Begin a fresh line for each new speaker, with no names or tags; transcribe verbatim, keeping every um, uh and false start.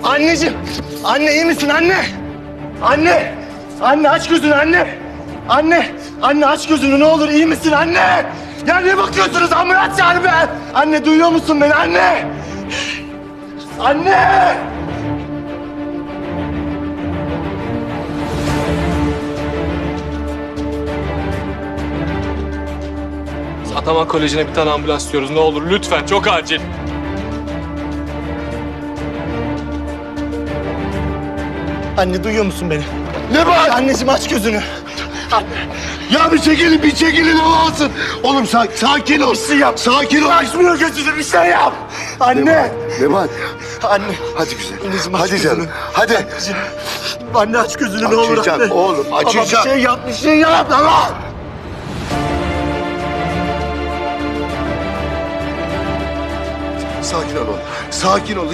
Anneciğim. Anne iyi misin anne? Anne. Anne aç gözünü anne. Anne. Anne aç gözünü ne olur iyi misin anne? Ya ne bakıyorsunuz ambulans çağır be. Anne duyuyor musun beni anne? Anne.
Ataman Koleji'ne bir tane ambulans istiyoruz. Ne olur lütfen, çok acil.
Anne duyuyor musun beni?
Ne var?
Anneciğim aç gözünü.
Ya bir çekilin, bir çekilin olmasın. Oğlum sa sakin ol.
Bir şey yap.
Sakin ol.
Açmıyor gözünü bir şey yap. Anne.
Ne var?
Anne.
Hadi güzel.
Anneciğim, aç
Hadi
gözünü.
canım. Hadi.
Anneciğim. Anne aç gözünü ne olur
Açacağım
anne.
oğlum, açacağım.
Ama bir şey yap, bir şey yap. Ama.
Sakin ol oğlum. Sakin ol.